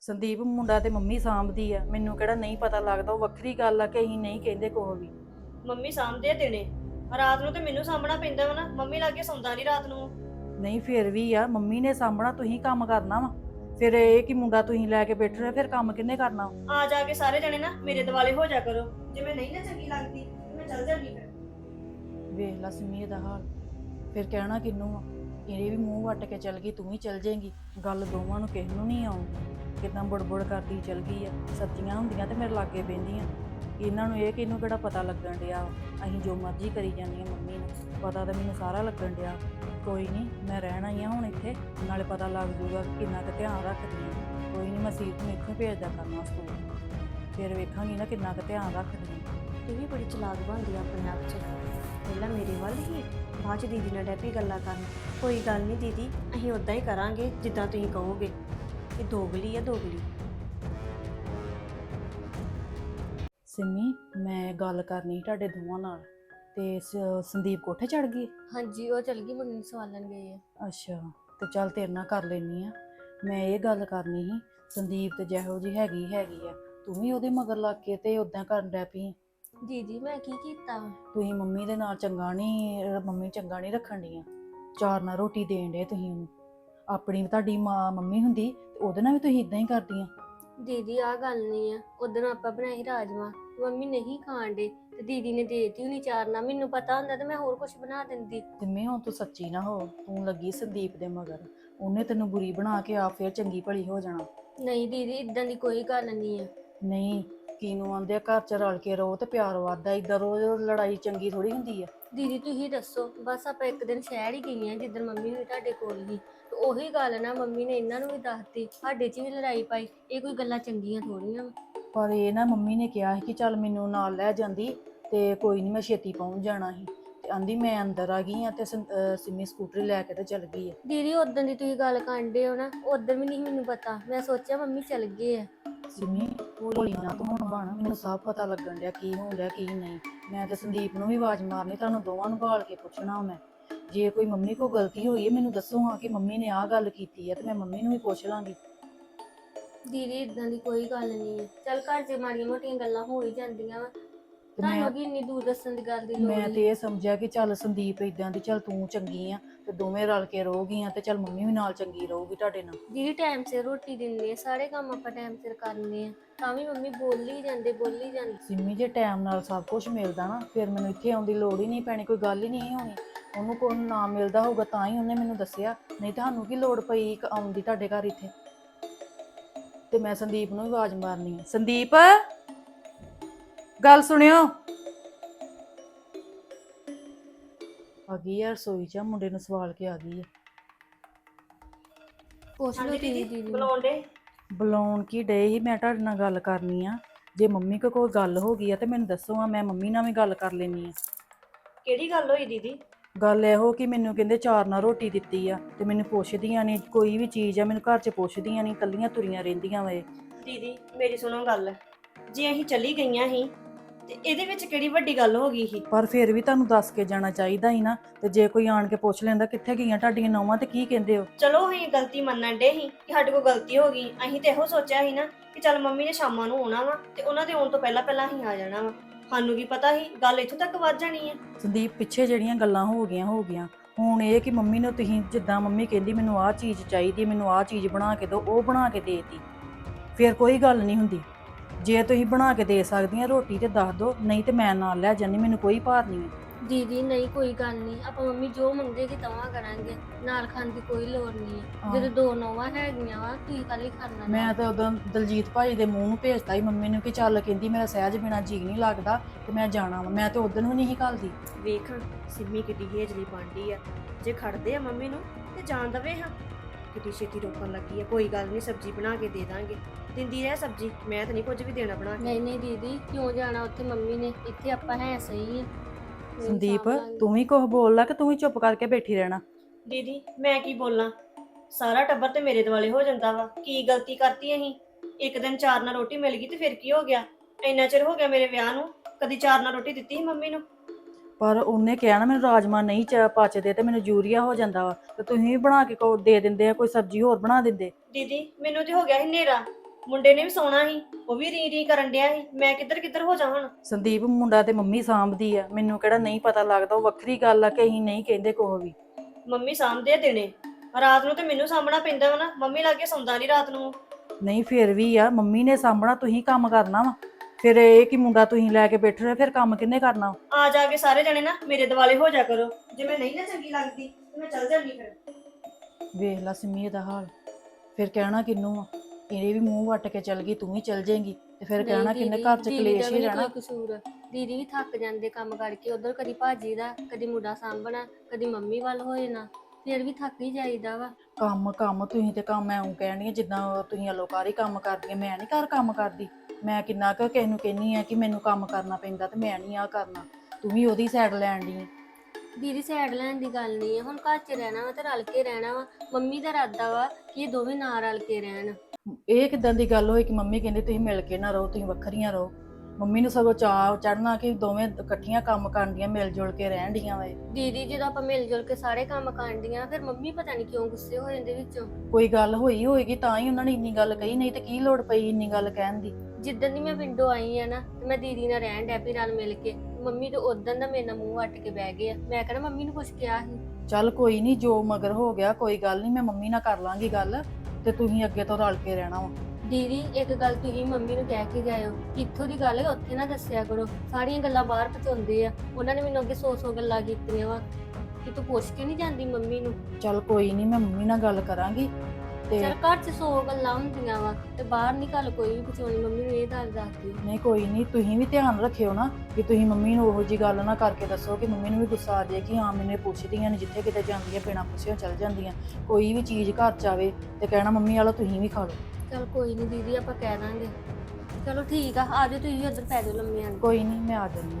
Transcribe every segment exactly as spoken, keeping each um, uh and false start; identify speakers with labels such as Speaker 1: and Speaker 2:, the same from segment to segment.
Speaker 1: ਸੰਦੀਪ ਮੁੰਡਾ ਤੇ ਮੰਮੀ ਸਾਂਭਦੀ ਆ, ਮੈਨੂੰ ਕਿਹੜਾ ਨਹੀਂ ਪਤਾ ਲੱਗਦਾ। ਉਹ ਵੱਖਰੀ ਗੱਲ ਆ ਕਿ ਅਸੀਂ ਨਹੀਂ ਕਹਿੰਦੇ ਕੁਛ ਵੀ।
Speaker 2: ਮੰਮੀ ਸਾਂਭਦੇ ਆ ਦਿਨੇ, ਰਾਤ ਨੂੰ ਤੇ ਮੈਨੂੰ ਸਾਂਭਣਾ ਪੈਂਦਾ ਵਾ ਨਾ। ਮੰਮੀ ਲਾਗੇ ਸੌਂਦਾ ਨਹੀਂ ਰਾਤ ਨੂੰ।
Speaker 1: ਨਹੀਂ ਫਿਰ ਵੀ ਆ, ਮੰਮੀ ਨੇ ਸਾਂਭਣਾ, ਤੁਸੀਂ ਕੰਮ ਕਰਨਾ ਵਾ। ਫਿਰ ਇਹ ਕਿ ਮੁੰਡਾ ਤੁਸੀਂ ਲੈ ਕੇ ਬੈਠੇ ਰਹੇ, ਫਿਰ ਕੰਮ ਕਿੰਨੇ ਕਰਨਾ ਵਾ?
Speaker 2: ਆ ਜਾ ਕੇ ਸਾਰੇ ਜਣੇ ਨਾ ਮੇਰੇ ਦਿਵਾਲੇ ਹੋ ਜਾ ਕਰੋ। ਜੇ ਮੈਂ ਨਹੀਂ ਨਾ ਚੰਗੀ ਲੱਗਦੀ ਤੇ ਮੈਂ ਚੱਲ ਜਾਂਦੀ ਫਿਰ।
Speaker 1: ਵੇਖ ਲਾ ਸਿੰਮੀ ਦਾ ਹਾਲ, ਫਿਰ ਕਹਿਣਾ ਕਿਹਨੂੰ ਆ? ਇਹਦੇ ਵੀ ਮੂੰਹ ਵੱਟ ਕੇ ਚਲ ਗਈ, ਤੂੰ ਵੀ ਚਲ ਜਾਏਂਗੀ। ਗੱਲ ਦੋਵਾਂ ਨੂੰ ਕਿਸੇ ਨੂੰ ਨਹੀਂ ਆਉਂਦੀ। ਕਿਦਾਂ ਬੁੜਬੁੜ ਕਰਦੀ ਚਲ ਗਈ ਆ। ਸੱਚੀਆਂ ਹੁੰਦੀਆਂ ਤੇ ਮੇਰੇ ਲਾਗੇ ਬਹਿੰਦੀਆਂ। ਇਹਨਾਂ ਨੂੰ ਇਹ ਕਿ ਇਹਨੂੰ ਕਿਹੜਾ ਪਤਾ ਲੱਗਣ ਡਿਆ। ਅਸੀਂ ਜੋ ਮਰਜ਼ੀ ਕਰੀ ਜਾਂਦੀਆਂ ਮੰਮੀ ਨੂੰ, ਪਤਾ ਤਾਂ ਮੈਨੂੰ ਸਾਰਾ ਲੱਗਣ ਡਿਆ। ਕੋਈ ਨਹੀਂ, ਮੈਂ ਰਹਿਣਾ ਹੀ ਆ ਹੁਣ ਇੱਥੇ, ਨਾਲੇ ਪਤਾ ਲੱਗ ਜੂਗਾ ਕਿੰਨਾ ਕੁ ਧਿਆਨ ਰੱਖਦੀ ਆ। ਕੋਈ ਨਹੀਂ, ਮੈਂ ਸੀਤ ਨੂੰ ਇੱਥੇ ਭੇਜਦਾ ਕਰਨਾ ਸਕੂਲ, ਫਿਰ ਵੇਖਾਂਗੀ ਨਾ ਕਿੰਨਾ ਕੁ ਧਿਆਨ ਰੱਖਦੀ ਆ।
Speaker 2: ਤੂੰ ਵੀ ਬੜੀ ਚਲਾਕ ਬਣਦੀ ਆ ਆਪਣੇ ਆਪ 'ਚ। ਪਹਿਲਾਂ ਮੇਰੇ ਵੱਲ ਹੀ, ਬਾਅਦ 'ਚ ਦੀਦੀ ਨਾਲ ਡੈਪੀ ਗੱਲਾਂ ਕਰਨ। ਕੋਈ ਗੱਲ ਨਹੀਂ ਦੀਦੀ, ਅਸੀਂ ਉਦਾਂ ਹੀ ਕਰਾਂਗੇ ਜਿੱਦਾਂ ਤੁਸੀਂ ਕਹੋਗੇ। ਇਹ ਦੋਗਲੀ ਆ ਦੋਗਲੀ।
Speaker 1: ਸਿੰਮੀ, ਮੈਂ ਗੱਲ ਕਰਨੀ ਸੀ ਤੁਹਾਡੇ ਦੋਵਾਂ ਨਾਲ। ਤੇ ਸ- ਸੰਦੀਪ ਕੋਠੇ ਚੜ ਗਈ?
Speaker 2: ਹਾਂਜੀ, ਉਹ ਚਲ ਗਈ, ਮੁੰਡੇ ਨੂੰ ਸਵਾਲਣ ਗਏ ਆ।
Speaker 1: ਅੱਛਾ, ਤੇ ਚੱਲ ਤੇਰੇ ਨਾਲ ਕਰ ਲੈਣੀ ਆ। ਮੈਂ ਇਹ ਗੱਲ ਕਰਨੀ ਸੀ, ਸੰਦੀਪ ਤੇ ਜਿਹੋ ਜੀ ਹੈਗੀ ਹੈਗੀ ਆ, ਤੂੰ ਵੀ ਉਹਦੇ ਮਗਰ ਲੱਗ ਕੇ ਤੇ ਉਦਾਂ ਕਰਨ ਡੈ ਪਈ।
Speaker 2: ਦੀਦੀ ਮੈਂ ਕੀ ਕੀਤਾ?
Speaker 1: ਤੁਸੀਂ ਮੰਮੀ ਦੇ ਨਾਲ ਚੰਗਾ ਨਹੀਂ, ਮੰਮੀ ਚੰਗਾ ਨਹੀਂ ਰੱਖਣ ਡੀਆਂ। ਚਾਰ ਨਾਲ ਰੋਟੀ ਦੇਣ ਡੇ ਤੁਸੀਂ ਉਹਨੂੰ। ਆਪਣੀ ਤੁਹਾਡੀ ਮਾਂ ਮੰਮੀ ਹੁੰਦੀ ਤੇ ਉਹਦੇ ਨਾਲ ਵੀ ਤੁਸੀਂ ਇਦਾਂ ਹੀ ਕਰਦੀਆਂ।
Speaker 2: ਦੀਦੀ ਆ ਗੱਲ ਨਹੀਂ ਆ। ਉਦੋਂ ਆਪਾਂ ਬਣਾਈ ਰਾਜਮਾ, ਮੰਮੀ ਨਹੀਂ ਖਾਣ ਦੇ ਤੇ ਦੀਦੀ ਨੇ ਦੇਤੀ ਉਹਨੇ ਚਾਰ ਨਾ। ਮੈਨੂੰ ਪਤਾ ਹੁੰਦਾ ਤੇ ਮੈਂ ਹੋਰ ਕੁਝ ਬਣਾ ਦਿੰਦੀ।
Speaker 1: ਸਿੰਮੀ, ਹੁਣ ਤੂੰ ਸੱਚੀ ਨਾ ਹੋ, ਤੂੰ ਲੱਗੀ ਸੰਦੀਪ ਦੇ ਮਗਰ। ਉਹਨੇ ਤੈਨੂੰ ਬੁਰੀ ਬਣਾ ਕੇ ਆਪ ਫੇਰ ਚੰਗੀ ਭਲੀ ਹੋ ਜਾਣਾ।
Speaker 2: ਨਹੀਂ ਦੀਦੀ, ਇਦਾਂ ਦੀ ਕੋਈ ਗੱਲ ਨਹੀਂ ਆ।
Speaker 1: ਨਹੀਂ, ਕਿਨੂੰ ਆਂਦੇ ਆ, ਘਰ ਚ ਰਲ ਕੇ ਰਹੋ ਤੇ ਪਿਆਰ ਵੱਧਦਾ। ਏਦਾਂ ਰੋਜ਼ ਲੜਾਈ ਚੰਗੀ ਥੋੜੀ ਹੁੰਦੀ ਆ।
Speaker 2: ਦੀਦੀ ਤੁਸੀਂ ਦੱਸੋ, ਬਸ ਆਪਾਂ ਇੱਕ ਦਿਨ ਸ਼ਹਿਰ ਹੀ ਗਈਆਂ ਜਿੱਦਣ ਮੰਮੀ ਵੀ ਤੁਹਾਡੇ ਕੋਲ ਹੀ, ਤੇ ਉਹੀ ਗੱਲ ਨਾ ਮੰਮੀ ਨੇ ਇਹਨਾਂ ਨੂੰ ਵੀ ਦੱਸਤੀ, ਸਾਡੇ 'ਚ ਵੀ ਲੜਾਈ ਪਾਈ। ਇਹ ਕੋਈ ਗੱਲਾਂ ਚੰਗੀਆਂ ਥੋੜੀਆਂ।
Speaker 1: ਪਰ ਇਹ ਨਾ, ਮੰਮੀ ਨੇ ਕਿਹਾ ਸੀ ਕਿ ਚੱਲ ਮੈਨੂੰ ਨਾਲ ਲੈ ਜਾਂਦੀ ਤੇ ਕੋਈ ਨਹੀਂ, ਮੈਂ ਛੇਤੀ ਪਹੁੰਚ ਜਾਣਾ ਸੀ। ਤੇ ਆਂਦੀ ਮੈਂ ਅੰਦਰ ਆ ਗਈ ਆ ਤੇ ਸੰ- ਅਹ ਸਿੰਮੀ ਸਕੂਟਰੀ ਲੈ ਕੇ ਤੇ ਚਲ ਗਈ ਆ।
Speaker 2: ਦੀਦੀ ਉਦੋਂ ਦੀ ਤੁਸੀਂ ਗੱਲ ਕਰਦੇ ਹੋ ਨਾ, ਉਦੋਂ ਵੀ ਨਹੀਂ ਮੈਨੂੰ ਪਤਾ। ਮੈਂ ਸੋਚਿਆ ਮੰਮੀ ਚਲ ਗਏ ਆ।
Speaker 1: ਸਿੰਮੀ, ਭੋਲੀ ਨਾ ਤੂੰ ਹੁਣ ਬਣ, ਮੈਨੂੰ ਸਭ ਪਤਾ ਲੱਗਣ ਡਿਆ ਕੀ ਹੋਣ ਡਿਆ ਕੀ ਨਹੀਂ। ਮੈਂ ਤੇ ਸੰਦੀਪ ਨੂੰ ਵੀ ਆਵਾਜ਼ ਮਾਰਨੀ, ਤੁਹਾਨੂੰ ਦੋਵਾਂ ਨੂੰ ਭਾਲ ਕੇ ਪੁੱਛਣਾ ਮੈਂ। ਜੇ ਕੋਈ ਮੰਮੀ ਕੋਲ ਗਲਤੀ ਹੋਈ ਹੈ ਮੈਨੂੰ ਦੱਸੋ ਹਾਂ ਕਿ ਮੰਮੀ ਨੇ ਆਹ ਗੱਲ ਕੀਤੀ ਹੈ, ਤੇ ਮੈਂ ਮੰਮੀ ਨੂੰ ਵੀ ਪੁੱਛ ਲਾਂਗੀ।
Speaker 2: ਦੀਦੀ ਇਦਾਂ ਦੀ ਕੋਈ ਗੱਲ ਨਹੀਂ ਹੈ। ਚੱਲ ਘਰ 'ਚ ਮਾੜੀਆਂ ਮੋਟੀਆਂ ਗੱਲਾਂ ਹੋ ਹੀ ਜਾਂਦੀਆਂ ਵਾ।
Speaker 1: ਤੇ ਮੈਂ
Speaker 2: ਤੁਹਾਨੂੰ ਕੀ ਇੰਨੀ ਦੂਰ ਦੱਸਣ ਦੀ ਗੱਲ ਦੀ ਲੋੜ
Speaker 1: ਮੈਂ
Speaker 2: ਹੈ?
Speaker 1: ਤੇ ਇਹ ਸਮਝਿਆ ਕਿ ਚੱਲ ਸੰਦੀਪ ਇਦਾਂ ਦੀ, ਚੱਲ ਤੂੰ ਚੰਗੀ ਆ ਤੇ ਦੋਵੇਂ ਰਲ ਕੇ ਰਹੋਗੀਆਂ ਤੇ ਚੱਲ ਮੰਮੀ ਵੀ ਨਾਲ ਚੰਗੀ ਰਹੂਗੀ ਤੁਹਾਡੇ ਨਾਲ।
Speaker 2: ਦੀਦੀ ਟਾਈਮ ਸਿਰ ਰੋਟੀ ਦਿੰਦੇ ਆ, ਸਾਰੇ ਕੰਮ ਆਪਾਂ ਟਾਈਮ ਸਿਰ ਕਰਨੇ ਆ, ਤਾਂ ਵੀ ਮੰਮੀ ਬੋਲੀ ਜਾਂਦੇ ਬੋਲੀ ਜਾਂਦੇ।
Speaker 1: ਸਿੰਮੀ, ਜੇ ਟਾਈਮ ਨਾਲ ਸਭ ਕੁਝ ਮਿਲਦਾ ਨਾ, ਫਿਰ ਮੈਨੂੰ ਇੱਥੇ ਆਉਣ ਦੀ ਲੋੜ ਹੀ ਨਹੀਂ ਪੈਣੀ, ਕੋਈ ਗੱਲ ਹੀ ਨਹੀਂ ਹੋਣੀ। ਉਹਨੂੰ ਕੋਈ ਨਾ ਮਿਲਦਾ ਹੋਊਗਾ ਤਾਂ ਹੀ ਉਹਨੇ ਮੈਨੂੰ ਦੱਸਿਆ, ਨਹੀਂ ਤੁਹਾਨੂੰ ਕੀ ਲੋੜ ਪਈ ਇੱਕ ਆਉਣ ਦੀ ਤੁਹਾਡੇ ਘਰ ਇੱਥੇ। ਤੇ ਮੈਂ ਸੰਦੀਪ ਨੂੰ ਵੀ ਆਵਾਜ਼ ਮਾਰਨੀ ਆ, ਸੰਦੀਪ ਗੱਲ ਸੁਣਿਓ। ਆ ਗਈ ਆ ਰਸੋਈ ਚ, ਮੁੰਡੇ ਨੂੰ ਸਵਾਲ ਕੇ ਆ ਗਈ ਆ।
Speaker 2: ਪੁੱਛ ਲਓ ਦੀਦੀ ਦੀਦੀ ਨੂੰ।
Speaker 1: ਬੁਲਾਉਣ ਕੀ ਡੇ ਹੀ, ਮੈਂ ਤੁਹਾਡੇ ਨਾਲ ਗੱਲ ਕਰਨੀ ਆ। ਜੇ ਮੰਮੀ ਕੋ ਕੋਈ ਗੱਲ ਹੋ ਗਈ ਆ ਤੇ ਮੈਨੂੰ ਦੱਸੋ, ਆ ਮੈਂ ਮੰਮੀ ਨਾਲ ਵੀ ਗੱਲ ਕਰ ਲੈਣੀ ਆ।
Speaker 2: ਕਿਹੜੀ ਗੱਲ ਹੋਈ ਦੀਦੀ?
Speaker 1: ਗੱਲ ਇਹੋ ਕਿ ਮੈਨੂੰ ਕਹਿੰਦੇ ਚਾਰ ਨਾਲ ਰੋਟੀ ਦਿੱਤੀ ਆ ਤੇ ਮੈਨੂੰ ਪੁੱਛਦੀਆਂ ਨਹੀਂ, ਕੋਈ ਵੀ ਚੀਜ਼ ਆ ਮੈਨੂੰ ਘਰ 'ਚ ਪੁੱਛਦੀਆਂ ਨਹੀਂ, ਕੱਲੀਆਂ ਤੁਰੀਆਂ ਰਹਿੰਦੀਆਂ ਵੇ।
Speaker 2: ਦੀਦੀ ਮੇਰੀ ਸੁਣੋ ਗੱਲ, ਜੇ ਅਸੀਂ ਚਲੀ ਗਈਆਂ ਸੀ ਤੇ ਇਹਦੇ ਵਿੱਚ ਕਿਹੜੀ ਵੱਡੀ ਗੱਲ ਹੋ ਗਈ ਸੀ?
Speaker 1: ਪਰ ਫਿਰ ਵੀ ਤੁਹਾਨੂੰ ਦੱਸ ਕੇ ਜਾਣਾ ਚਾਹੀਦਾ ਸੀ ਨਾ। ਤੇ ਜੇ ਕੋਈ ਆਣ ਕੇ ਪੁੱਛ ਲੈਂਦਾ ਕਿੱਥੇ ਗਈਆਂ ਤੁਹਾਡੀਆਂ ਨੌਵਾਂ, ਤੇ ਕੀ ਕਹਿੰਦੇ ਹੋ?
Speaker 2: ਚਲੋ ਅਸੀਂ ਗਲਤੀ ਮੰਨਣ ਡੇ ਸੀ ਕਿ ਸਾਡੇ ਕੋਲ ਗਲਤੀ ਹੋ ਗਈ। ਅਸੀਂ ਤੇ ਇਹੋ ਸੋਚਿਆ ਸੀ ਨਾ ਕਿ ਚੱਲ ਮੰਮੀ ਨੇ ਸ਼ਾਮਾਂ ਨੂੰ ਆਉਣਾ ਵਾ ਤੇ ਉਹਨਾਂ ਦੇ ਆਉਣ ਤੋਂ ਪਹਿਲਾਂ ਪਹਿਲਾਂ ਅਸੀਂ ਆ ਜਾਣਾ ਵਾ। ਸਾਨੂੰ ਕੀ ਪਤਾ ਸੀ ਗੱਲ ਇੱਥੋਂ ਤੱਕ ਵੱਧ ਜਾਣੀ ਹੈ।
Speaker 1: ਸੰਦੀਪ, ਪਿੱਛੇ ਜਿਹੜੀਆਂ ਗੱਲਾਂ ਹੋ ਗਈਆਂ ਹੋ ਗਈਆਂ। ਹੁਣ ਇਹ ਕਿ ਮੰਮੀ ਨੂੰ ਤੁਸੀਂ ਜਿੱਦਾਂ ਮੰਮੀ ਕਹਿੰਦੀ ਮੈਨੂੰ ਆਹ ਚੀਜ਼ ਚਾਹੀਦੀ, ਮੈਨੂੰ ਆਹ ਚੀਜ਼ ਬਣਾ ਕੇ ਦਿਓ, ਉਹ ਬਣਾ ਕੇ ਦੇਤੀ, ਫਿਰ ਕੋਈ ਗੱਲ ਨਹੀਂ ਹੁੰਦੀ। ਜੇ ਤੁਸੀਂ ਬਣਾ ਕੇ ਦੇ ਸਕਦੀਆਂ ਰੋਟੀ ਤੇ ਦੱਸ ਦਿਓ, ਨਹੀਂ ਤੇ ਮੈਂ ਨਾਲ ਲੈ ਜਾਂਦੀ, ਮੈਨੂੰ ਕੋਈ ਭਾਰ ਨਹੀਂ ਹੈ।
Speaker 2: ਦੀਦੀ ਨਹੀਂ ਕੋਈ ਗੱਲ ਨਹੀਂ, ਆਪਾਂ ਮੰਮੀ ਜੋ ਮੰਗੇਗੀ ਤਵਾਂ ਕਰਾਂਗੇ, ਨਾਲ ਖਾਣ ਦੀ ਕੋਈ ਲੋੜ ਨਹੀਂ ਹੈ। ਜਦੋਂ ਦੋ ਨੌਵਾਂ ਹੈਗੀਆਂ ਵਾ, ਤੁਸੀਂ ਕੱਲ ਹੀ ਕਰਨਾ।
Speaker 1: ਮੈਂ ਤਾਂ ਉਦੋਂ ਦਲਜੀਤ ਭਾਜੀ ਦੇ ਮੂੰਹ ਨੂੰ ਭੇਜਤਾ ਸੀ ਮੰਮੀ ਨੂੰ ਕਿ ਚੱਲ, ਕਹਿੰਦੀ ਮੇਰਾ ਸਹਿਜ ਬਿਨਾ ਜੀ ਨਹੀਂ ਲੱਗਦਾ ਤੇ ਮੈਂ ਜਾਣਾ ਵਾ। ਮੈਂ ਤੇ ਉਦੋਂ ਨੂੰ ਨਹੀਂ ਘੱਲਦੀ।
Speaker 2: ਵੇਖ ਸਿੰਮੀ ਕਿੱਡੀ ਹੇਜਲੀ ਬਣਦੀ ਆ। ਜੇ ਖੜਦੇ ਆ ਮੰਮੀ ਨੂੰ ਤੇ ਜਾਣ ਦਵੇ ਹਾਂ। ਕਿੱਡੀ ਛੇਤੀ ਰੋਕਣ ਲੱਗੀ ਆ। ਕੋਈ ਗੱਲ ਨਹੀਂ, ਸਬਜ਼ੀ ਬਣਾ ਕੇ ਦੇ ਦਾਂਗੇ, ਦਿੰਦੀ ਰਹਿ ਸਬਜ਼ੀ, ਮੈਂ ਤਾਂ ਨਹੀਂ ਕੁਝ ਵੀ ਦੇਣਾ ਬਣਾ ਕੇ। ਨਹੀਂ ਨਹੀਂ ਦੀਦੀ, ਕਿਉਂ ਜਾਣਾ ਉੱਥੇ ਮੰਮੀ ਨੇ, ਇੱਥੇ ਆਪਾਂ ਹੈ ਸਹੀ ਆ।
Speaker 1: ਸੰਦੀਪ, ਤੂੰ ਵੀ ਕੁਝ ਬੋਲ ਲਾ ਕਿ ਤੂੰ ਵੀ ਚੁੱਪ ਕਰਕੇ ਬੈਠੀ ਰਹਿਣਾ?
Speaker 2: ਦੀਦੀ ਮੈਂ ਕੀ ਬੋਲਾਂ, ਸਾਰਾ ਟੱਬਰ ਤੇ ਮੇਰੇ ਦੁਆਲੇ ਹੋ ਜਾਂਦਾ ਵਾ। ਕੀ ਗਲਤੀ ਕਰਤੀ ਅਸੀਂ? ਇੱਕ ਦਿਨ ਚਾਰ ਨਾਲ ਰੋਟੀ ਮਿਲ ਗਈ ਤੇ ਫਿਰ ਕੀ ਹੋ ਗਿਆ? ਇੰਨਾ ਚਿਰ ਹੋ ਗਿਆ ਮੇਰੇ ਵਿਆਹ ਨੂੰ, ਕਦੀ ਚਾਰ ਨਾਲ ਰੋਟੀ ਦਿੱਤੀ ਸੀ ਮੰਮੀ ਨੂੰ?
Speaker 1: ਪਰ ਉਹਨੇ ਕਿਹਾ ਨਾ ਮੈਨੂੰ ਰਾਜਮਾ ਨਹੀਂ ਚ ਪਚਦੇ ਤੇ ਮੈਨੂੰ ਯੂਰੀਆ ਹੋ ਜਾਂਦਾ ਵਾ, ਤੇ ਤੁਸੀਂ ਵੀ ਬਣਾ ਕੇ ਕੋ ਦੇ ਦਿੰਦੇ ਆ, ਕੋਈ ਸਬਜ਼ੀ ਹੋਰ ਬਣਾ ਦਿੰਦੇ।
Speaker 2: ਦੀਦੀ ਮੈਨੂੰ ਤੇ ਹੋ ਗਿਆ ਸੀ ਹਨੇਰਾ, ਮੁੰਡੇ ਨੇ ਵੀ ਸੌਣਾ ਸੀ, ਉਹ ਵੀ ਰੀ ਰੀ ਕਰਨ ਡਿਆ ਸੀ। ਮੈਂ ਕਿੱਧਰ ਕਿੱਧਰ ਹੋ ਜਾ ਹੁਣ।
Speaker 1: ਸੰਦੀਪ ਮੁੰਡਾ ਤੇ ਮੰਮੀ ਸਾਂਭਦੀ ਆ, ਮੈਨੂੰ ਕਿਹੜਾ ਨਹੀਂ ਪਤਾ ਲੱਗਦਾ, ਉਹ ਵੱਖਰੀ ਗੱਲ ਆ ਕਿ ਅਸੀਂ ਨਹੀਂ ਕਹਿੰਦੇ ਕੁਛ ਵੀ।
Speaker 2: ਮੰਮੀ ਸਾਂਭਦੇ ਆ ਦਿਨੇ, ਰਾਤ ਨੂੰ ਤੇ ਮੈਨੂੰ ਸਾਂਭਣਾ ਪੈਂਦਾ ਵਾ ਨਾ। ਮੰਮੀ ਲਾਗੇ ਸੌਂਦਾ ਨਹੀਂ ਰਾਤ ਨੂੰ।
Speaker 1: ਨਹੀਂ ਫਿਰ ਵੀ ਆ, ਮੰਮੀ ਨੇ ਸਾਂਭਣਾ, ਤੁਸੀਂ ਕੰਮ ਕਰਨਾ ਵਾ। ਫਿਰ ਇਹ ਕਿ ਮੁੰਡਾ ਤੁਸੀਂ ਲੈ ਕੇ ਬੈਠੇ ਰਹੇ, ਫਿਰ ਕੰਮ ਕਿੰਨੇ ਕਰਨਾ?
Speaker 2: ਆ ਜਾ ਕੇ ਸਾਰੇ ਜਣੇ ਨਾ ਮੇਰੇ ਦਿਵਾਲੇ ਹੋ ਜਾ ਕਰੋ। ਜੇ ਮੈਂ ਨਹੀਂ ਨਾ ਚੰਗੀ ਲੱਗਦੀ ਤੇ ਮੈਂ ਚੱਲ ਜਾਂਦੀ ਫਿਰ।
Speaker 1: ਵੇਖ ਲਾ ਸਿੰਮੀ ਦਾ ਹਾਲ, ਫਿਰ ਕਹਿਣਾ ਕਿਹਨੂੰ ਆ? ਇਹਨੇ ਵੀ ਮੂੰਹ ਵੱਟ ਕੇ ਚੱਲ ਗਈ, ਤੂੰ ਵੀ ਚੱਲ ਜਾਏਂਗੀ ਤੇ ਫਿਰ ਕਹਿਣਾ ਕਿੰਨੇ ਘਰ 'ਚ ਕਲੇਸ਼ ਹੀ ਰਹਿਣਾ।
Speaker 3: ਕਸੂਰ ਦੀਦੀ ਵੀ ਥੱਕ ਜਾਂਦੇ ਕੰਮ ਕਰਕੇ, ਉਧਰ ਕਦੀ ਭਾਜੀ ਦਾ, ਕਦੀ ਮੁੰਡਾ ਸਾਂਭਣਾ, ਕਦੀ ਮੰਮੀ ਵੱਲ ਹੋ ਜਾਣਾ, ਫਿਰ ਵੀ ਥੱਕ ਹੀ ਜਾਈਦਾ ਵਾ।
Speaker 1: ਕੰਮ ਕੰਮ ਤੁਸੀਂ ਤੇ ਕੰਮ ਐਉਂ ਕਹਿਣੀ ਆ ਜਿੱਦਾਂ ਤੁਸੀਂ ਅਲੋਕਾਰੀ ਕੰਮ ਕਰਦੀਆਂ, ਮੈਂ ਨਹੀਂ ਘਰ ਕੰਮ ਕਰਦੀ। ਮੈਂ ਕਿੰਨਾ ਕੁ ਕਿਸੇ ਨੂੰ ਕਹਿੰਨੀ ਆ ਕਿ ਮੈਨੂੰ ਕੰਮ ਕਰਨਾ ਪੈਂਦਾ ਤੇ ਮੈਂ ਨਹੀਂ ਆ ਕਰਨਾ, ਤੂੰ ਵੀ ਉਹਦੀ ਸਾਈਡ ਲੈਣ ਦੀ।
Speaker 3: ਦੀਦੀ ਸਾਈਡ ਲੈਣ ਦੀ ਗੱਲ ਨਹੀਂ ਹੈ, ਹੁਣ ਘਰ 'ਚ ਰਹਿਣਾ ਵਾ ਤੇ ਰਲ ਕੇ ਰਹਿਣਾ ਵਾ। ਮੰਮੀ ਦਾ ਇਰਾਦਾ ਵਾ ਕਿ ਇਹ ਦੋਵੇਂ ਨਾ ਰਲ ਕੇ ਰਹਿਣ।
Speaker 1: ਇਹ ਕਿੱਦਾਂ ਦੀ ਗੱਲ ਹੋਈ ਕਿ ਮੰਮੀ ਕਹਿੰਦੇ ਤੁਸੀਂ ਮਿਲ ਕੇ ਨਾ ਰਹੋ, ਤੁਸੀਂ ਵੱਖਰੀਆਂ ਰਹੋ? ਮੰਮੀ ਨੂੰ ਸਗੋਂ ਚਾਅ ਚੜਨਾ ਕਿ ਦੋਵੇਂ ਇਕੱਠੀਆਂ ਕੰਮ ਕਰਨਦੀਆਂ, ਮਿਲ ਜੁਲ ਕੇ ਰਹਿਣ ਡੀਆਂ ਵੇ।
Speaker 3: ਦੀਦੀ ਜਦੋਂ ਆਪਾਂ ਮਿਲ ਜੁਲ ਕੇ ਸਾਰੇ ਕੰਮ ਕਰਦੀਆਂ, ਫਿਰ ਮੰਮੀ ਪਤਾ ਨਹੀਂ ਕਿਉਂ ਗੁੱਸੇ ਹੋ ਜਾਂਦੇ ਵਿੱਚੋਂ।
Speaker 1: ਕੋਈ ਗੱਲ ਹੋਈ ਹੋਏਗੀ ਤਾਂ ਹੀ ਉਹਨਾਂ ਨੇ ਇੰਨੀ ਗੱਲ ਕਹੀ, ਨਹੀਂ ਤੇ ਕੀ ਲੋੜ ਪਈ ਇੰਨੀ ਗੱਲ ਕਹਿਣ ਦੀ?
Speaker 3: ਜਿੱਦਣ ਦੀ ਮੈਂ ਪਿੰਡੋਂ ਆਈ ਆ ਨਾ ਤੇ ਮੈਂ ਦੀਦੀ ਨਾਲ ਰਹਿਣ ਡੈਪੀ ਨਾਲ ਮਿਲ ਕੇ, ਮੰਮੀ ਤੇ ਉਦੋਂ ਦਾ ਮੇਰੇ ਨਾਲ ਮੂੰਹ ਵੱਟ ਕੇ ਬਹਿ ਗਏ ਆ। ਮੈਂ ਕਹਿੰਦਾ ਮੰਮੀ ਨੂੰ ਕੁਛ ਕਿਹਾ ਸੀ?
Speaker 1: ਚੱਲ ਕੋਈ ਨਹੀਂ, ਜੋ ਮਗਰ ਹੋ ਗਿਆ ਕੋਈ ਗੱਲ ਨਹੀਂ, ਮੈਂ ਮੰਮੀ ਨਾਲ ਕਰ ਲਾਂਗੀ ਗੱਲ, ਤੇ ਤੁਸੀਂ ਅੱਗੇ ਤੋਂ ਰਲ ਕੇ ਰਹਿਣਾ ਵਾ।
Speaker 3: ਦੀਦੀ ਇੱਕ ਗੱਲ ਤੁਸੀਂ ਮੰਮੀ ਨੂੰ ਕਹਿ ਕੇ ਜਾਇਓ, ਕਿੱਥੋਂ ਦੀ ਗੱਲ ਹੈ ਉੱਥੇ ਨਾ ਦੱਸਿਆ ਕਰੋ। ਸਾਰੀਆਂ ਗੱਲਾਂ ਬਾਹਰ ਪਹੁੰਚਾਉਂਦੇ ਆ। ਉਹਨਾਂ ਨੇ ਮੈਨੂੰ ਅੱਗੇ ਸੌ ਸੌ ਗੱਲਾਂ ਕੀਤੀਆਂ ਵਾ ਕਿ ਤੂੰ ਪੁੱਛ ਕੇ ਨਹੀਂ ਜਾਂਦੀ ਮੰਮੀ ਨੂੰ।
Speaker 1: ਚੱਲ ਕੋਈ ਨਹੀਂ, ਮੈਂ ਮੰਮੀ ਨਾਲ ਗੱਲ ਕਰਾਂਗੀ ਤੇ
Speaker 3: ਚਲ ਘਰ 'ਚ ਸੌ ਗੱਲਾਂ ਹੁੰਦੀਆਂ ਵਾ ਤੇ ਬਾਹਰ ਨਹੀਂ ਗੱਲ ਕੋਈ ਵੀ ਪਹੁੰਚਾਉਣੀ। ਮੰਮੀ ਨੂੰ ਇਹ ਗੱਲ ਦੱਸ ਦਿਓ।
Speaker 1: ਨਹੀਂ ਕੋਈ ਨਹੀਂ, ਤੁਸੀਂ ਵੀ ਧਿਆਨ ਰੱਖਿਓ ਨਾ ਕਿ ਤੁਸੀਂ ਮੰਮੀ ਨੂੰ ਉਹੋ ਜੀ ਗੱਲ ਨਾ ਕਰਕੇ ਦੱਸੋ ਕਿ ਮੰਮੀ ਨੂੰ ਵੀ ਗੁੱਸਾ ਆ ਜਾਏ ਕਿ ਹਾਂ ਮੈਨੂੰ ਇਹ ਪੁੱਛਦੀਆਂ ਨੇ, ਜਿੱਥੇ ਕਿਤੇ ਜਾਂਦੀਆਂ ਬਿਨਾਂ ਪੁੱਛਿਓ ਚੱਲ ਜਾਂਦੀਆਂ। ਕੋਈ ਵੀ ਚੀਜ਼ ਘਰ 'ਚ ਆਵੇ ਤੇ ਕਹਿਣਾ ਮੰਮੀ ਵਾਲਾ ਤੁਸੀਂ ਵੀ ਖਾ ਲਓ।
Speaker 3: ਚਲ ਕੋਈ ਨਹੀਂ ਦੀਦੀ, ਆਪਾਂ ਕਹਿ ਦਾਂਗੇ। ਚਲੋ ਠੀਕ ਆ, ਆ ਜਾਓ ਤੁਸੀਂ ਉੱਧਰ ਪੈ ਜਾਓ ਲੰਮੇ ਆਂ।
Speaker 1: ਕੋਈ ਨਹੀਂ, ਮੈਂ ਆ ਜਾਂਦੀ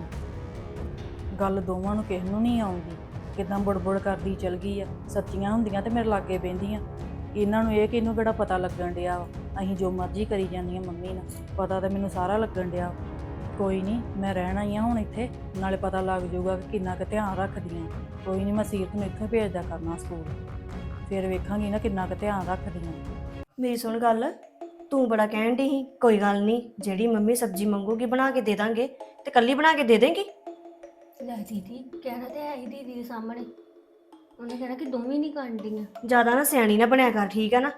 Speaker 1: ਹਾਂ। ਗੱਲ ਦੋਵਾਂ ਨੂੰ ਕਿਸੇ ਨੂੰ ਨਹੀਂ ਆਉਂਦੀ, ਕਿਦਾਂ ਬੁੜਬੁੜ ਕਰਦੀ ਚਲ ਗਈ ਆ। ਸੱਚੀਆਂ ਹੁੰਦੀਆਂ ਤੇ ਮੇਰੇ ਲਾਗੇ ਬਹਿੰਦੀਆਂ। ਇਹਨਾਂ ਨੂੰ ਇਹ ਕਿ ਇਹਨੂੰ ਕਿਹੜਾ ਪਤਾ ਲੱਗਣ ਡਿਆ ਵਾ, ਅਸੀਂ ਜੋ ਮਰਜ਼ੀ ਕਰੀ ਜਾਂਦੀਆਂ ਮੰਮੀ ਨਾਲ, ਪਤਾ ਤਾਂ ਮੈਨੂੰ ਸਾਰਾ ਲੱਗਣ ਡਿਆ। ਕੋਈ ਨਹੀਂ, ਮੈਂ ਰਹਿਣਾ ਹੀ ਆ ਹੁਣ ਇੱਥੇ, ਨਾਲੇ ਪਤਾ ਲੱਗ ਜਾਊਗਾ ਕਿ ਕਿੰਨਾ ਕੁ ਧਿਆਨ ਰੱਖਦੀਆਂ। ਕੋਈ ਨਹੀਂ, ਮੈਂ ਸੀਰਤ ਨੂੰ ਇੱਥੇ ਭੇਜਦਾ ਕਰਨਾ ਸਕੂਲ, ਫਿਰ ਵੇਖਾਂਗੀ ਨਾ ਕਿੰਨਾ ਕੁ ਧਿਆਨ ਰੱਖਦੀਆਂ।
Speaker 2: ਮੇਰੀ ਸੁਣ ਗੱਲ, ਤੂੰ ਬੜਾ ਕਹਿਣ ਡਈ ਸੀ। ਕੋਈ ਗੱਲ ਨਹੀਂ, ਜਿਹੜੀ ਮੰਮੀ ਸਬਜ਼ੀ ਮੰਗੂਗੀ ਬਣਾ ਕੇ ਦੇ ਦਾਂਗੇ, ਤੇ ਕੱਲੀ ਬਣਾ ਕੇ ਦੇ ਦੇਂਗੀ।
Speaker 3: ਲੈ ਦੀਦੀ, ਕਹਿਣਾ ਤੇ ਹੈ ਹੀ ਦੀਦੀ ਦੇ ਸਾਹਮਣੇ। ਉਹਨੇ ਕਹਿਣਾ ਕਿ ਦੋਵੇਂ ਨਹੀਂ ਕਾਂਡੀਆਂ।
Speaker 2: ਜ਼ਿਆਦਾ ਨਾ ਸਿਆਣੀ ਨਾ ਬਣਿਆ ਕਰ, ਠੀਕ ਆ ਨਾ?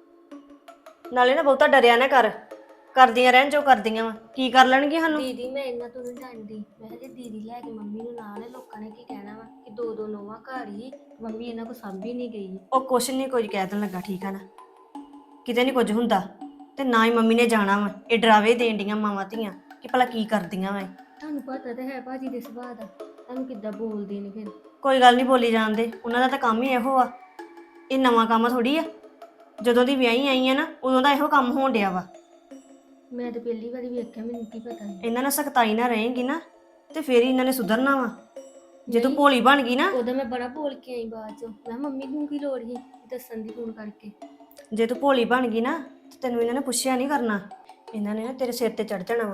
Speaker 2: ਨਾਲੇ ਨਾ ਬਹੁਤਾ ਡਰਿਆ ਨਾ ਕਰ, ਕਰਦੀਆਂ ਰਹਿਣ ਜੋ ਕਰਦੀਆਂ ਵਾ। ਕੀ ਕਰ ਲੈਣਗੀਆਂ ਸਾਨੂੰ?
Speaker 3: ਦੀਦੀ ਮੈਂ ਇਹਨਾਂ ਤੋਂ ਨਹੀਂ ਡਰਦੀ। ਮੈਂ ਕਿਹਾ ਜੇ ਦੀਦੀ ਲੈ ਕੇ ਮੰਮੀ ਨੂੰ ਨਾਲ, ਲੋਕਾਂ ਨੇ ਕੀ ਕਹਿਣਾ ਵਾ ਕਿ ਦੋ ਦੋ ਨੋਵਾਂ ਘਰ ਹੀ, ਮੰਮੀ ਇਹਨਾਂ ਕੋ ਸਾਂਭੀ ਨਹੀਂ ਗਈ।
Speaker 2: ਉਹ ਕੁਛ ਨਹੀਂ ਕੁਝ ਕਹਿ ਦੇਣ ਲੱਗਾ, ਠੀਕ ਆ ਨਾ? ਕਿਤੇ ਨਹੀਂ ਕੁਝ ਹੁੰਦਾ, ਤੇ ਨਾ ਹੀ ਮੰਮੀ ਨੇ ਜਾਣਾ ਵਾ। ਇਹ ਡਰਾਵੇ ਦੇਣ ਡੀਆਂ ਮਾਵਾਂ ਧੀਆਂ ਕਿ ਭਲਾ ਕੀ ਕਰਦੀਆਂ ਵਾ।
Speaker 3: ਤੁਹਾਨੂੰ ਪਤਾ ਤਾਂ ਹੈ ਭਾਜੀ ਦੇ ਸੁਭਾਅ ਦਾ, ਤੁਹਾਨੂੰ ਕਿੱਦਾਂ ਬੋਲਦੇ ਨੇ ਫਿਰ।
Speaker 2: ਕੋਈ ਗੱਲ ਨਹੀਂ, ਬੋਲੀ ਜਾਂਦੇ, ਉਹਨਾਂ ਦਾ ਤਾਂ ਕੰਮ ਹੀ ਇਹੋ ਆ। ਇਹ ਨਵਾਂ ਕੰਮ ਥੋੜੀ ਆ। ਜਦੋਂ ਦੀ ਵਿਆਹੀ ਆਈ ਆ ਨਾ, ਉਦੋਂ ਦਾ ਇਹੋ ਕੰਮ ਹੋਣ ਡਿਆ ਵਾ।
Speaker 3: ਮੈਂ ਤਾਂ ਪਹਿਲੀ ਵਾਰੀ ਵੇਖਿਆ, ਮੈਨੂੰ ਕੀ ਪਤਾ ਸੀ।
Speaker 2: ਇਹਨਾਂ ਨਾਲ ਸਖਤਾਈ ਨਾ ਰਹੇਗੀ ਨਾ ਤੇ ਫੇਰ ਹੀ ਇਹਨਾਂ ਨੇ ਸੁਧਰਨਾ ਵਾ। ਜੇ ਤੂੰ ਭੋਲੀ ਬਣ ਗਈ ਨਾ,
Speaker 3: ਉਦੋਂ ਮੈਂ ਬੜਾ ਬੋਲ ਕੇ ਆਈ ਬਾਅਦ ਚੋਂ। ਮੈਂ ਮੰਮੀ ਨੂੰ ਕੀ ਲੋੜ ਸੀ ਦੱਸਣ ਦੀ ਫੋਨ ਕਰਕੇ।
Speaker 2: ਜੇ ਤੂੰ ਭੋਲੀ ਬਣ ਗਈ ਨਾ ਤੇ ਤੈਨੂੰ ਇਹਨਾਂ ਨੇ ਪੁੱਛਿਆ ਨਹੀਂ ਕਰਨਾ। ਇਹਨਾਂ ਨੇ ਨਾ ਤੇਰੇ ਸਿਰ ਤੇ ਚੜ ਜਾਣਾ ਵਾ।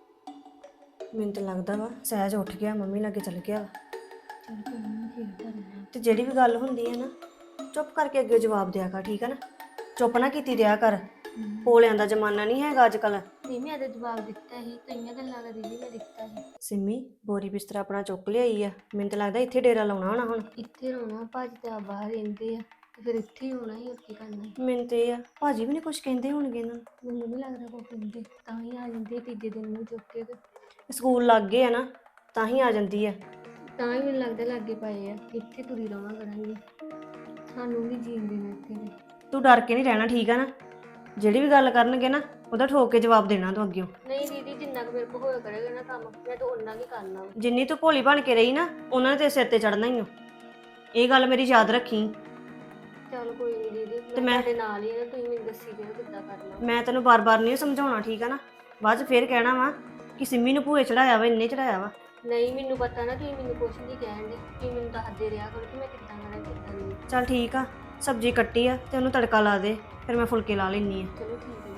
Speaker 2: ਮੈਨੂੰ ਤਾਂ ਲੱਗਦਾ ਵਾ ਸਹਿਜ ਉੱਠ ਗਿਆ, ਮੰਮੀ ਲਾਗੇ ਚੱਲ ਗਿਆ ਵਾ।
Speaker 3: ਚਲ ਕੋਈ ਨਹੀਂ, ਫਿਰ ਕਰਨਾ।
Speaker 2: ਤੇ ਜਿਹੜੀ ਵੀ ਗੱਲ ਹੁੰਦੀ ਹੈ ਨਾ, ਚੁੱਪ ਕਰਕੇ ਅੱਗੇ ਜਵਾਬ ਦਿਆ ਕਰ, ਠੀਕ ਹੈ ਨਾ? ਚੁੱਪ ਨਾ ਕੀਤੀ ਰਿਹਾ ਕਰ। ਭੋਲਿਆਂ ਦਾ ਜ਼ਮਾਨਾ ਨਹੀਂ ਹੈਗਾ ਅੱਜ ਕੱਲ੍ਹ।
Speaker 3: ਨਹੀਂ ਮੈਂ ਤਾਂ ਜਵਾਬ ਦਿੱਤਾ ਸੀ, ਕਈਆਂ ਗੱਲਾਂ ਦਾ ਦੀਦੀ ਮੈਂ ਦਿੱਤਾ ਸੀ।
Speaker 2: ਸਿੰਮੀ ਬੋਰੀ ਬਿਸਤਰਾ ਆਪਣਾ ਚੁੱਕ ਲਿਆਈ ਆ। ਮੈਨੂੰ ਤਾਂ ਲੱਗਦਾ ਇੱਥੇ ਡੇਰਾ ਲਾਉਣਾ ਹੋਣਾ ਹੁਣ।
Speaker 3: ਇੱਥੇ ਰੋਣਾ, ਭਾਜੀ ਤਾਂ ਬਾਹਰ ਰਹਿੰਦੇ ਆ ਤੇ ਫਿਰ ਇੱਥੇ ਹੀ ਹੋਣਾ ਹੀ, ਹੋਰ ਕੀ ਕਰਨਾ ਸੀ।
Speaker 2: ਮੈਨੂੰ ਤੇ ਇਹ ਆ ਭਾਜੀ ਵੀ ਨਹੀਂ ਕੁਝ ਕਹਿੰਦੇ ਹੋਣਗੇ ਇਹਨਾਂ ਨੂੰ।
Speaker 3: ਮੈਨੂੰ ਨਹੀਂ ਲੱਗਦਾ ਕੋਈ ਕਹਿੰਦੇ, ਤਾਂ ਹੀ ਆ ਜਾਂਦੇ ਤੀਜੇ ਦਿਨ ਨੂੰ ਚੁੱਕ ਕੇ ਤੇ
Speaker 2: ਸਕੂਲ ਲੱਗ ਗਏ ਆ ਨਾ, ਤਾਂ ਹੀ ਆ ਜਾਂਦੀ ਆ।
Speaker 3: ਤਾਂ ਹੀ ਮੈਨੂੰ ਲੱਗਦਾ ਲਾਗੇ ਪਏ ਆ। ਇੱਥੇ ਤੁਰੀ ਰਵਾਂ ਕਰਾਂਗੇ, ਸਾਨੂੰ ਵੀ ਜੀਣ ਦੇਣਾ ਇੱਥੇ ਦੇ।
Speaker 2: ਤੂੰ ਡਰ ਕੇ ਨਹੀਂ ਰਹਿਣਾ, ਠੀਕ ਆ ਨਾ? ਜਿਹੜੀ ਵੀ ਗੱਲ ਕਰਨਗੇ ਨਾ, ਉਹਦਾ ਠੋਕ ਕੇ ਜਵਾਬ ਦੇਣਾ ਤੂੰ ਅੱਗਿਓਂ।
Speaker 3: ਨਹੀਂ ਦੀਦੀ, ਜਿੰਨਾ ਕੁ ਮੇਰੇ ਕੋਲ ਹੋਇਆ ਕਰੇਗਾ ਨਾ ਕੰਮ, ਮੈਂ ਤਾਂ ਓਨਾ ਹੀ ਕਰਨਾ ਵਾ।
Speaker 2: ਜਿੰਨੀ ਤੂੰ ਭੋਲੀ ਬਣ ਕੇ ਰਹੀ ਨਾ, ਉਹਨਾਂ ਨੇ ਤੇਰੇ ਸਿਰ ਤੇ ਚੜਨਾ ਹੀ ਓ। ਇਹ ਗੱਲ ਮੇਰੀ ਯਾਦ ਰੱਖੀ।
Speaker 3: ਚਲ ਕੋਈ ਨਹੀਂ ਦੀਦੀ,
Speaker 2: ਤੇ
Speaker 3: ਮੈਂ
Speaker 2: ਮੈਂ-
Speaker 3: ਤੁਹਾਡੇ ਨਾਲ ਹੀ ਆ, ਤੁਸੀਂ ਮੈਨੂੰ ਦੱਸੀ ਦਿਓ ਕਿੱਦਾਂ ਕਰਨਾ।
Speaker 2: ਮੈਂ ਤੈਨੂੰ ਬਾਰ-ਬਾਰ ਨਹੀਂ ਸਮਝਾਉਣਾ, ਠੀਕ ਆ ਨਾ? ਬਾਅਦ 'ਚ ਫੇਰ ਕਹਿਣਾ ਵਾ ਕਿ ਸਿੰਮੀ ਨੂੰ ਭੂਏ ਚੜਾਇਆ ਵਾ, ਇੰਨੇ ਚੜਾਇਆ ਵਾ।
Speaker 3: ਨਹੀਂ ਮੈਨੂੰ ਪਤਾ ਨਾ, ਤੁਸੀਂ ਮੈਨੂੰ ਕੁਛ ਨਹੀਂ ਕਹਿਣ ਦੇ। ਤੁਸੀਂ ਮੈਨੂੰ ਦੱਸਦੇ ਰਿਹਾ ਕਰੋ ਕਿ ਮੈਂ ਕਿੱਦਾਂ ਕਰਾਂ ਕਿੱਦਾਂ ਨਹੀਂ।
Speaker 2: ਚੱਲ ਠੀਕ ਆ, ਸਬਜ਼ੀ ਕੱਟੀ ਆ ਤੇ ਉਹਨੂੰ ਤੜਕਾ ਲਾ ਦੇ, ਫਿਰ ਮੈਂ ਫੁਲਕੇ ਲਾ ਲੈਣੀ ਆ।
Speaker 3: ਚਲੋ ਠੀਕ ਹੈ।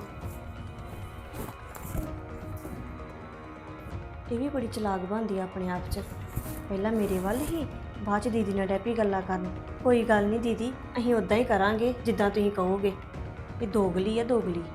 Speaker 2: ਇਹ ਵੀ ਬੜੀ ਚਲਾਕ ਬਣਦੀ ਆ ਆਪਣੇ ਆਪ 'ਚ। ਪਹਿਲਾਂ ਮੇਰੇ ਵੱਲ ਹੀ, ਬਾਅਦ 'ਚ ਦੀਦੀ ਨਾਲ ਡੈਪੀ ਗੱਲਾਂ ਕਰਨ। ਕੋਈ ਗੱਲ ਨਹੀਂ ਦੀਦੀ, ਅਸੀਂ ਉਦਾਂ ਹੀ ਕਰਾਂਗੇ ਜਿੱਦਾਂ ਤੁਸੀਂ ਕਹੋਗੇ। ਇਹ ਦੋਗਲੀ ਆ ਦੋਗਲੀ।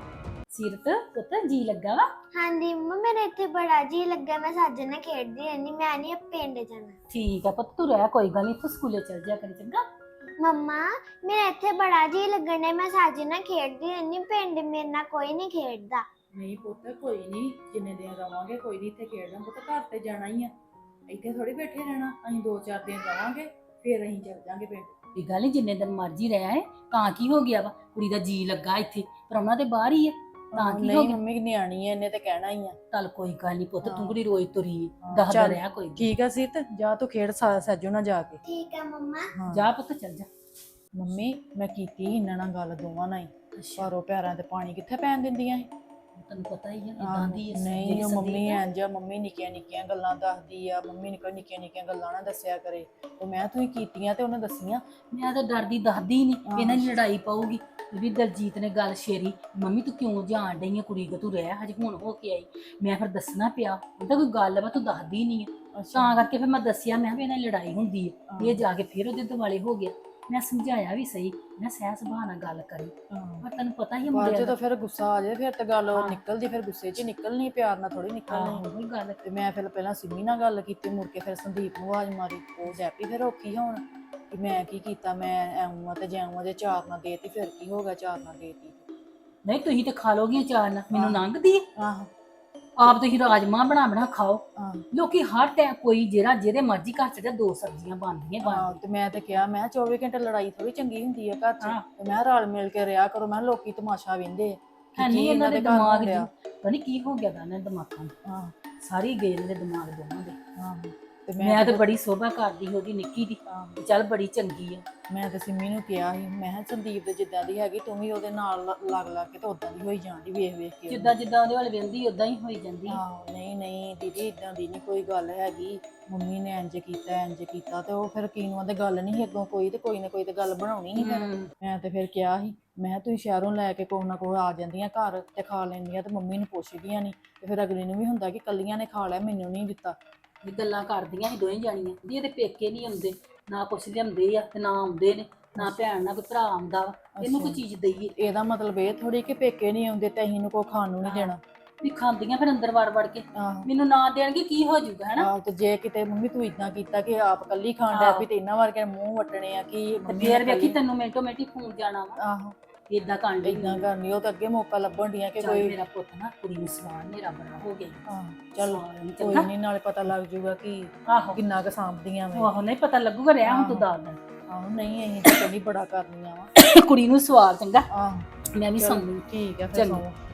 Speaker 4: ਸੀਰਤ ਪੁੱਤ ਜੀ ਲੱਗਾ ਵਾ
Speaker 5: ਹਾਂਜੀ ਮੰਮਾ ਮੇਰਾ ਇੱਥੇ ਬੜਾ ਜੀ ਲੱਗਾ ਮੈਂ ਸਾਜੇ ਨਾਲ ਖੇਡਦੀ ਰਹਿੰਦੀ ਮੈਂ ਨਹੀਂ ਪਿੰਡ ਜਾਣਾ
Speaker 4: ਠੀਕ ਆ ਪੁੱਤ ਤੂੰ ਰਹਿ ਕੋਈ ਗੱਲ ਨਹੀਂ ਤੂੰ ਸਕੂਲੇ ਚਲ ਜਾ ਕਰੀ ਚੰਗਾ
Speaker 5: ਮੰਮਾ ਮੇਰਾ ਇੱਥੇ ਬੜਾ ਜੀ ਲੱਗਣ ਡਿਆ ਮੈਂ ਸਾਜੇ ਨਾਲ ਖੇਡਦੀ ਰਹਿੰਦੀ ਪਿੰਡ ਮੇਰੇ ਨਾਲ ਕੋਈ ਨਹੀਂ ਖੇਡਦਾ।
Speaker 1: ਨਹੀਂ ਪੁੱਤ ਕੋਈ ਨਹੀਂ, ਜਿੰਨੇ ਦਿਨ ਰਵਾਂਗੇ ਕੋਈ ਨਹੀਂ ਇੱਥੇ ਖੇਡਣਾ ਪੁੱਤ, ਘਰ ਤੇ ਜਾਣਾ ਹੀ ਆ, ਇੱਥੇ ਥੋੜੀ ਬੈਠੇ ਰਹਿਣਾ। ਅਸੀਂ ਦੋ ਚਾਰ ਦਿਨ ਰਵਾਂਗੇ ਫਿਰ ਅਸੀਂ ਚੱਲ ਜਾਾਂਗੇ ਪਿੰਡ।
Speaker 4: ਇਹ ਗੱਲ ਨਹੀਂ ਜਿੰਨੇ ਦਿਨ ਮਰਜ਼ੀ ਰਹਿਆ ਹੈ ਤਾਂ ਕੀ ਹੋ ਗਿਆ ਵਾ, ਕੁੜੀ ਦਾ ਜੀ ਲੱਗਾ ਇੱਥੇ ਪਰ ਉਹਨਾਂ ਦੇ ਬਾਹਰ ਹੀ ਹੈ ਤਾਂ ਕੀ ਹੋ
Speaker 1: ਨਹੀਂ
Speaker 4: ਗਿਆ।
Speaker 1: ਮੰਮੀ ਨਿਆਣੀ ਐ, ਇਹਨੇ ਤੇ ਕਹਿਣਾ ਹੀ ਆ।
Speaker 4: ਚੱਲ ਕੋਈ ਗੱਲ ਨਹੀਂ ਪੁੱਤ
Speaker 1: ਹਾਂ।
Speaker 4: ਤੂੰ ਕੁੜੀ ਰੋਜ਼ ਤੁਰੀ
Speaker 1: ਹਾਂ,
Speaker 4: ਦੱਸਦਾ
Speaker 1: ਚੱਲ।
Speaker 4: ਰਿਹਾ ਕੋਈ ਨੀ।
Speaker 1: ਠੀਕ ਆ ਸੀਤ, ਜਾ ਤੂੰ ਖੇਡ ਸਾ- ਸੱਜੂ ਨਾਲ ਜਾ ਕੇ।
Speaker 5: ਠੀਕ ਆ ਮੰਮਾ।
Speaker 1: ਹਾਂ।
Speaker 4: ਜਾ ਪੁੱਤ ਚੱਲ ਜਾ।
Speaker 1: ਮੰਮੀ ਮੈਂ ਕੀਤੀ ਸੀ ਇਹਨਾਂ ਨਾਲ ਗੱਲ ਦੋਵਾਂ ਨਾਲ ਹੀ, ਭਾਰੋ ਪੈਰਾਂ ਤੇ ਪਾਣੀ ਕਿੱਥੇ ਪੈਣ ਦਿੰਦੀਆਂ ਸੀ।
Speaker 4: ਤੈਨੂੰ ਪਤਾ ਹੀ ਹੈ
Speaker 1: ਆਹੋ,
Speaker 4: ਇਦਾਂ ਦੀ ਹੈ
Speaker 1: ਨਹੀਂ
Speaker 4: ਜਿਹੜੀ
Speaker 1: ਉਹ ਮੰਮੀ
Speaker 4: ਸੰਦੀਪ ਹੈ।
Speaker 1: ਇੰਜ ਆ, ਮੰਮੀ ਨਿੱਕੀਆਂ ਨਿੱਕੀਆਂ ਗੱਲਾਂ ਦੱਸਦੀ ਆ, ਮੰਮੀ ਨਿੱਕੀਆਂ ਨਿੱਕੀਆਂ ਨਿੱਕੀਆਂ ਗੱਲਾਂ ਨਾ ਦੱਸਿਆ ਕਰੇ। ਤੇ ਮੈਂ ਤੂੰ ਹੀ ਕੀਤੀਆਂ ਤੇ ਉਹਨੇ ਦੱਸੀਆਂ।
Speaker 4: ਮੈਂ ਤਾਂ ਡਰਦੀ ਦੱਸਦੀ ਨਹੀਂ
Speaker 1: ਹਾਂ।
Speaker 4: ਇਹਨਾਂ ਦੀ ਲੜਾਈ ਪਾਊਗੀ। ਵੀ ਦਲਜੀਤ ਨੇ ਗੱਲ ਛੇੜੀ, ਮੰਮੀ ਤੂੰ ਕਿਉਂ ਜਾਣ ਡਈ ਆ ਕੁੜੀ ਕੋ, ਤੂੰ ਰਹਿ ਹਜੇ ਹੁਣ ਹੋ ਕੇ ਆਈ। ਮੈਂ ਫਿਰ ਦੱਸਣਾ ਪਿਆ ਉਹਦਾ ਕੋਈ ਗੱਲ ਵਾ ਤੂੰ ਦੱਸਦੀ ਨਹੀਂ ਆ, ਤਾਂ ਕਰਕੇ ਫਿਰ ਮੈਂ ਦੱਸਿਆ ਮੈਂ ਵੀ ਇਹਨਾਂ ਦੀ ਲੜਾਈ ਹੁੰਦੀ ਹੈ। ਇਹ ਜਾ ਕੇ ਫਿਰ ਉਹਦੇ ਦੁਆਲੇ ਹੋ ਗਿਆ। ਮੈਂ ਸਮਝਾਇਆ ਵੀ ਸਹੀ, ਮੈਂ ਸਹਿ ਸੁਭਾਅ ਨਾਲ ਗੱਲ ਕਰੀ
Speaker 1: ਹਾਂ।
Speaker 4: ਪਰ ਤੈਨੂੰ ਪਤਾ ਹੀ ਆ
Speaker 1: ਬਾਅਦ
Speaker 4: ਮੁੰਡਿਆਂ
Speaker 1: ਜਦੋਂ
Speaker 4: ਦਾ।
Speaker 1: ਫਿਰ ਗੁੱਸਾ ਆ ਜਾਏ ਫਿਰ ਤੇ ਗੱਲ
Speaker 4: ਹਾਂ।
Speaker 1: ਨਿਕਲਦੀ, ਫਿਰ ਗੁੱਸੇ 'ਚ ਹੀ ਨਿਕਲਣੀ, ਪਿਆਰ ਨਾਲ ਥੋੜੀ ਨਿਕਲਣੀ।
Speaker 4: ਆਹੋ ਉਹੀ ਗੱਲ।
Speaker 1: ਤੇ ਮੈਂ ਫਿਰ ਪਹਿਲਾਂ ਸਿੰਮੀ ਨਾਲ ਗੱਲ ਕੀਤੀ, ਮੁੜ ਕੇ ਫਿਰ ਸੰਦੀਪ ਨੂੰ ਆਵਾਜ਼ ਮਾਰੀ। ਉਹ ਡੈਪੀ ਫਿਰ ਔਖੀ ਹੋਣ ਕਿ ਮੈਂ ਕੀ ਕੀਤਾ, ਮੈਂ ਐਉਂ ਆ ਤੇ ਜਾਉਂ ਜੇ ਚਾਰ ਨਾ ਦੇਤੀ ਫਿਰ ਕੀ ਹੋ ਗਿਆ, ਚਾਰ ਨਾ ਦੇਤੀ।
Speaker 4: ਨਹੀਂ ਤੁਸੀਂ ਤੇ ਖਾ ਲੋਗੇ ਚਾਰ ਨਾਲ, ਮੈਨੂੰ
Speaker 1: ਹਾਂ।
Speaker 4: ਲੰਘਦੀ ਹੈ।
Speaker 1: ਆਹੋ
Speaker 4: ਆਪ ਤੁਸੀਂ ਰਾਜਮਾਂਹ ਬਣਾ ਬਣਾ ਖਾਓ।
Speaker 1: ਹਾਂ।
Speaker 4: ਲੋਕੀ ਹਰ ਟਾਈਮ ਕੋਈ ਜਿਹੜਾ ਜਿਹਦੇ ਮਰਜ਼ੀ ਘਰ ਚ ਜਾ ਦੋ ਸਬਜ਼ੀਆਂ ਬਣਦੀਆਂ
Speaker 1: ਹਾਂ,
Speaker 4: ਬਣਦੀਆਂ।
Speaker 1: ਤੇ ਮੈਂ ਤੇ ਕਿਹਾ ਮੈਂ ਚੌਵੀ ਘੰਟੇ ਲੜਾਈ ਥੋੜੀ ਚੰਗੀ ਹੁੰਦੀ ਆ ਘਰ 'ਚ।
Speaker 4: ਹਾਂ।
Speaker 1: ਤੇ ਮੈਂ ਰਲ ਮਿਲ ਕੇ ਰਿਹਾ ਕਰੋ, ਮੈਂ ਕਿਹਾ ਲੋਕੀ ਤਮਾਸ਼ਾ ਵੇਂਦੇ
Speaker 4: ਹੈ ਨਹੀਂ ਇਹਨਾਂ ਦੇ
Speaker 1: ਘਰ
Speaker 4: ਦਿਮਾਗ
Speaker 1: ਹੋ ਰਿਹਾ।
Speaker 4: ਚ ਪਤਾ ਨਹੀਂ ਕੀ ਹੋ ਗਿਆ ਦਾ ਇਹਨਾਂ ਦੇ ਦਿਮਾਗਾਂ ਨੂੰ।
Speaker 1: ਹਾਂ
Speaker 4: ਸਾਰੀ ਗਏ ਇਹਨਾਂ ਦੇ ਦਿਮਾਗ ਦੋਵਾਂ ਦੇ।
Speaker 1: ਹਾਂ। ਤੇ
Speaker 4: ਮੈਂ ਤੇ
Speaker 1: ਤੇ-
Speaker 4: ਬੜੀ ਸੋਭਾ ਕਰਦੀ ਉਹਦੀ ਨਿੱਕੀ ਦੀ,
Speaker 1: ਹਾਂ,
Speaker 4: ਵੀ ਚੱਲ ਬੜੀ ਚੰਗੀ ਆ।
Speaker 1: ਮੈਂ ਤੇ ਸਿੰਮੀ ਨੂੰ ਕਿਹਾ ਸੀ, ਮੈਂ ਕਿਹਾ ਸੰਦੀਪ ਦੇ ਜਿੱਦਾਂ ਦੀ ਹੈਗੀ ਤੂੰ ਵੀ ਉਹਦੇ ਨਾਲ ਲ- ਲੱਗ ਲੱਗ ਕੇ ਤੇ ਉਦਾਂ ਦੀ ਹੋਈ ਜਾਂਦੀ ਵੇਖ ਵੇਖ ਕੇ।
Speaker 4: ਜਿੱਦਾਂ ਜਿੱਦਾਂ ਉਹਦੇ ਵੱਲ ਵੇਂਦੀ ਉਦਾਂ ਹੀ ਹੋਈ ਜਾਂਦੀ ਆ।
Speaker 1: ਹਾਂ ਨਹੀਂ ਨਹੀਂ ਦੀਦੀ ਇਦਾਂ ਦੀ ਨਹੀਂ ਕੋਈ ਗੱਲ ਹੈਗੀ, ਮੰਮੀ ਨੇ ਇੰਜ ਕੀਤਾ ਇੰਜ ਕੀਤਾ, ਤੇ ਉਹ ਫਿਰ ਕੀਨੂਆਂ ਤੇ ਗੱਲ ਨਹੀਂ ਸੀ ਅੱਗੋਂ ਕੋਈ, ਤੇ ਕੋਈ ਨਾ ਕੋਈ ਤੇ ਗੱਲ ਬਣਾਉਣੀ ਸੀ ਫਿਰ।
Speaker 4: ਹਮ,
Speaker 1: ਮੈਂ ਤੇ ਫਿਰ ਕਿਹਾ ਸੀ, ਮੈਂ ਕਿਹਾ ਤੁਸੀਂ ਸ਼ਹਿਰੋਂ ਲੈ ਕੇ ਕੋਹ ਨਾ ਕੋਹ ਆ ਜਾਂਦੀਆਂ ਘਰ ਤੇ ਖਾ ਲੈਂਦੀਆਂ ਤੇ ਮੰਮੀ ਨੂੰ ਪੁੱਛਦੀਆਂ ਨਹੀਂ, ਤੇ ਫਿਰ ਅਗਲੀ ਨੂੰ ਵੀ ਹੁੰਦਾ ਕਿ ਕੱਲੀਆਂ ਨੇ ਖਾ ਲਿਆ ਮੈਨੂੰ ਨਹੀਂ ਦਿੱਤਾ।
Speaker 4: ਇਹ ਗੱਲਾਂ ਕਰਦੀਆਂ ਸੀ ਦੋਵੇਂ ਜਾਣੀਆਂ ਵੀ ਇਹਦੇ ਪੇਕੇ ਨਹੀਂ ਆਉਂਦੇ, ਨਾ ਕੁਛ ਲਿਆਉਂਦੇ ਆ ਤੇ ਨਾ ਆਉਂਦੇ ਨੇ, ਨਾ ਭੈਣ ਨਾ ਕੋਈ ਭਰਾ ਆਉਂਦਾ ਵਾ, ਇਹਨੂੰ ਕੋਈ ਚੀਜ਼ ਦਈਏ।
Speaker 1: ਇਹਦਾ ਮਤਲਬ ਇਹ ਥੋੜੀ ਕਿ ਪੇਕੇ ਨਹੀਂ ਆਉਂਦੇ ਤੇ ਅਸੀਂ ਨੂੰ ਕੋ ਖਾਣ ਨੂੰ ਨਹੀਂ ਦੇਣਾ।
Speaker 4: ਵੀ ਖਾਂਦੀਆਂ ਫਿਰ ਅੰਦਰ ਵੜ ਵੜ ਕੇ,
Speaker 1: ਆਹੋ
Speaker 4: ਮੈਨੂੰ ਨਾ ਦੇਣਗੇ ਕੀ ਹੋ ਜਾਊਗਾ ਹੈਨਾ।
Speaker 1: ਆਹੋ, ਤੇ ਜੇ ਕਿਤੇ ਮੰਮੀ ਤੂੰ ਇਦਾਂ ਕੀਤਾ ਕਿ ਆਪ ਕੱਲੀ ਖਾਣ ਡੈ ਪਈ ਤੇ ਇਹਨਾਂ ਵਰਗੇ ਮੂੰਹ ਵੱਟਣੇ ਆ ਕਿ
Speaker 4: ਤੇ
Speaker 1: ਮੰਮੀ
Speaker 4: ਫੇਰ
Speaker 1: ਨੇ
Speaker 4: ਵੇਖੀ
Speaker 1: ਕੱਲੀ-
Speaker 4: ਤੈਨੂੰ ਮਿੰਟੋ ਮਿੰਟੀ ਫੋਨ ਜਾਣਾ ਵਾ,
Speaker 1: ਆਹੋ
Speaker 4: ਇਦਾਂ ਕਰਨ ਡਈ
Speaker 1: ਇਦਾਂ ਕਰਨੀ, ਉਹ ਤਾਂ ਅੱਗੇ ਮੌਕਾ ਲੱਭਣ ਡੀਆਂ ਕਿ
Speaker 4: ਚੱਲ
Speaker 1: ਕੋਈ।
Speaker 4: ਮੇਰਾ ਪੁੱਤ ਨਾ ਕੁੜੀ ਨੂੰ ਸਵਾਲ ਮੇਰਾ ਬੜਾ ਹੋ ਗਿਆ।
Speaker 1: ਹਾਂ ਚੱਲ
Speaker 4: ਸਵਾਲ ਨੀ
Speaker 1: ਕੋਈ
Speaker 4: ਚੰਗਾ।
Speaker 1: ਨਹੀਂ, ਨਾਲੇ ਪਤਾ ਲੱਗ ਜਾਊਗਾ ਕਿ
Speaker 4: ਆਹੋ
Speaker 1: ਕਿੰਨਾ ਕੁ ਸਾਂਭਦੀਆਂ ਮੈਂ।
Speaker 4: ਆਹੋ ਨਹੀਂ ਪਤਾ ਲੱਗੂਗਾ, ਰਿਹਾ ਹੁਣ ਤੂੰ ਦੱਸ ਦੇ।
Speaker 1: ਆਹੋ ਨਹੀਂ ਅਸੀਂ ਤਾਂ ਕਹਿੰਦੀ ਬੜਾ ਕਰਨੀਆਂ ਵਾ।
Speaker 4: ਕੁੜੀ ਨੂੰ ਸਵਾਲ ਚੰਗਾ,
Speaker 1: ਆਹੋ
Speaker 4: ਮੈਂ ਵੀ
Speaker 1: ਚਲੋ,
Speaker 4: ਸਮਝੂ।
Speaker 1: ਠੀਕ ਹੈ ਫਿਰ
Speaker 4: ਚੰਗਾ।
Speaker 1: ਸੌਂ।